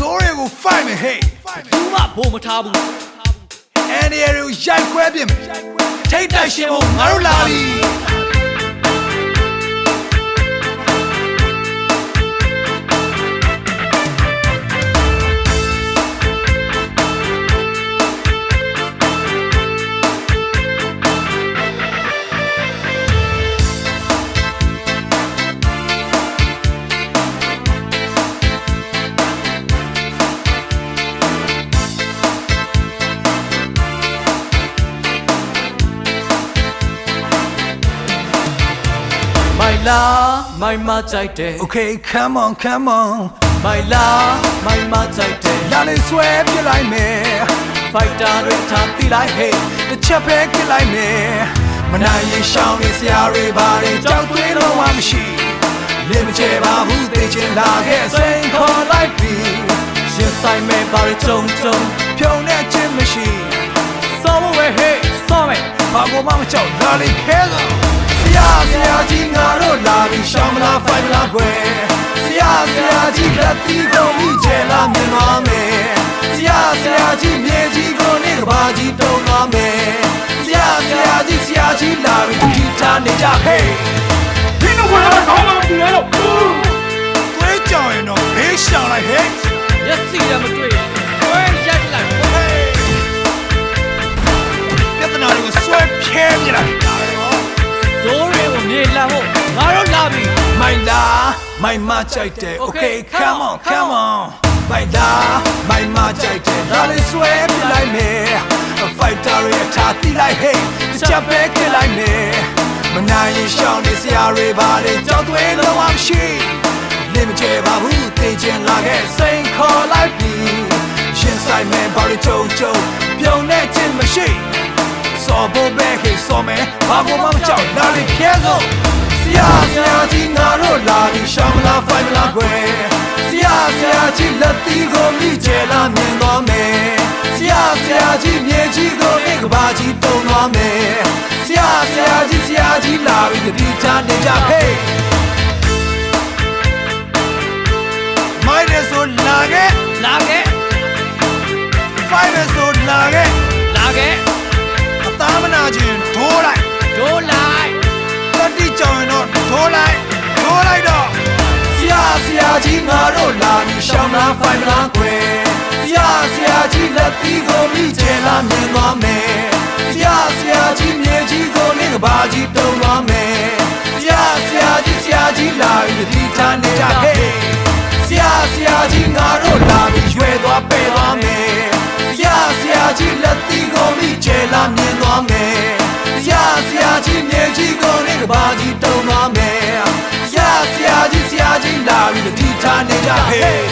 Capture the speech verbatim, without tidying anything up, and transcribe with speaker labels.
Speaker 1: Sorry go fight me hey
Speaker 2: ဘူးမဘိုးမထားဘူး
Speaker 1: Any area ကိုရိုက်ခွဲပြင်မယ်ထိတ်တိုက်ရှင်ဖို့ငါတို့လာပြီ
Speaker 2: My la my ma ကြိုက်တယ်
Speaker 1: Okay come on come on
Speaker 2: My la my ma ကြိုက်တယ်
Speaker 1: လာလေဆွဲပြလိုက်မယ်
Speaker 2: Fighter တွေထားတိလိုက် hey
Speaker 1: တစ်ချက်ပဲပြလိုက်မယ်မနိုင်ရင်ရှောင်းနေစရာတွေပါရင်ကြောက်သွေးလုံးဝမရှိလင်းမချေပါဘူးသိချင်လာခဲ့စိန်ခေါ်လိုက်ပြီ
Speaker 2: ရှင်ဆိုင်မဲ့ပါရကြုံကြုံ
Speaker 1: ဖြုံတဲ့ချင်းမရှိ
Speaker 2: စောမဝဲ hey စောမဲ
Speaker 1: ဘာကိုမှမကြောက်လာလေခဲလို့ဆရာဆရာကြီးငါတို့လာပြီးရှောင်းမလားဖိုင်မလားကွယ်ဆရာဆရာကြီးလက်တီးကုန်ပြီးကျဲလာမြင်သွားမယ်ဆရာဆရာကြီးမြေကြီးကိုနေကဘာကြီးတုံသွားမယ်ဆရာဆရာကြီးဆရာကြီးလာပြီးတီထားနေကြဟေးဒီတော့ဘာလဲခေါင်းလုံးပြလဲလို့တွေးကြောင်ရင်တော့ဘေးရှောင်းလိုက်ဟေး
Speaker 2: ရက်စီရမတွေ့ရင်ဝဲရိုက်လိုက်
Speaker 1: ပြဿနာတွေကိုဆွဲဖြဲပြလိုက်
Speaker 2: ဇိုးတွေကိုမြေလံဖို့ငါတို့လာပြီ
Speaker 1: မိုင်လာမိုင်မကြိုက်တယ် Okay come on come on မိုင်လာမိုင်မကြိုက်တယ်ဒါလေးဆွဲပြလိုက်မယ် Fighter ရဲ့ထားတိလိုက် Hey ချက်ပဲပြလိုက်မယ်မနိုင်ရင်ရှောင်းနေစရာတွေပါလေကြောက်သွေးလုံးဝမရှိလင်းမချေပါဘူးသိချင်လာခဲ့စိန်ခေါ်လိုက်ပြီရှင်ဆိုင်မဲ့ဘာလို့ကြုံကြုံပြုံနေခြင်းမရှိစောဖို့ပဲခေစောမဲဘာကိုမှမကြောက်လာလေခဲစို့ဆရာဆရာကြီးငါတို့လာပြီးရှောင်းမလားဖိုင်မလားကွယ်ဆရာဆရာကြီးလက်တီးကိုမိကျဲလာမြင်သွားမယ်ဆရာဆရာကြီးမြေကြီးကိုနေကဘာကြီးတုံသွားမယ်ဆရာဆရာကြီးဆရာကြီးလာပြီးတတိချနေကြဟေးမိုက်ရဆိုလာခဲ့
Speaker 2: လာခဲ့
Speaker 1: ဖိုင်ရဆိုလာခဲ့
Speaker 2: လာခဲ့
Speaker 1: အသားမနာခြင်းဒိုးလိုက်
Speaker 2: ဒိုးလိုက်
Speaker 1: တတိကြောင်ရင်တော့ဒိုးလိုက်ဒိုးလိုက်တော့ဆရာဆရာကြီးငါတို့လာပြီးရှောင်းလားဖိုင်မလားကွယ်ဆရာဆရာကြီးလက်သီးကိုမိကျဲလာမြင်သွားမယ်ဆရာဆရာကြီးမြေကြီးကိုနေကဘာကြီးတုံသွားမယ်ဆရာဆရာကြီးဆရာကြီးလာပြီးဒီထားနေကြဟေးဆရာဆရာကြီးငါတို့လာပြီးရွယ်သွားပဲသွားမယ်ဆရာဆရာကြီးလက်သီးကိုမိကျဲလာမြင်သွားမယ်ဆရာဆရာကြီးမြေကြီးကိုနေကဘာကြီးတုံသွားမယ်ဆရာဆရာကြီးဆရာကြီးလာပြီးဒီထားနေကြဟေး